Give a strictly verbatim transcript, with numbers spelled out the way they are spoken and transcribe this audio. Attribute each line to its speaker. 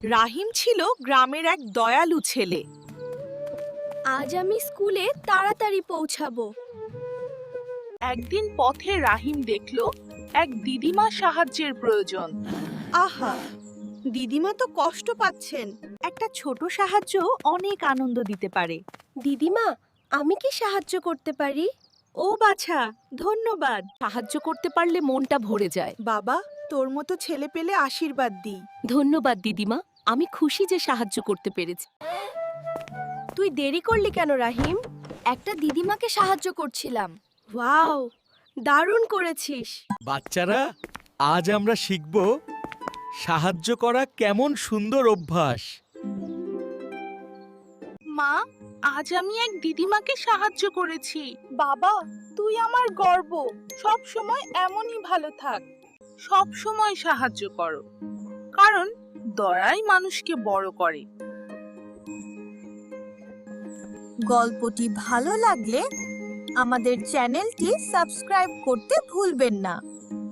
Speaker 1: রাহিম ছিল গ্রামের এক দয়ালু ছেলে।
Speaker 2: আজ আমি স্কুলে তাড়াতাড়ি পৌঁছাবো।
Speaker 1: একদিন পথে রাহিম দেখল এক দিদিমা সাহায্যের প্রয়োজন। আহা, দিদিমা তো কষ্ট পাচ্ছেন। একটা ছোট সাহায্য অনেক আনন্দ দিতে পারে।
Speaker 2: দিদিমা, আমি কি সাহায্য করতে পারি?
Speaker 1: ও বাছা, ধন্যবাদ।
Speaker 2: সাহায্য করতে পারলে মনটা ভরে যায়।
Speaker 1: বাবা, তোর মতো ছেলে পেলে আশীর্বাদ দিই।
Speaker 2: ধন্যবাদ দিদিমা, আমি খুশি যে সাহায্য করতে পেরেছি। তুই দেরি করলি কেন রাহিম? একটা দিদিমাকে সাহায্য করছিলাম। ওয়াও, দারুণ করেছিস।
Speaker 3: বাচ্চারা, আজ আমরা শিখব সাহায্য করা কেমন সুন্দর অভ্যাস।
Speaker 1: মা, আজ আমি এক দিদিমাকে সাহায্য করেছি। বাবা, তুই আমার গর্ব। সব সময় এমনই ভালো থাক। সব সময় সাহায্য করো, কারণ দয়াই মানুষকে বড় করে।
Speaker 4: গল্পটি ভালো লাগলে আমাদের চ্যানেলটি সাবস্ক্রাইব করতে ভুলবেন না।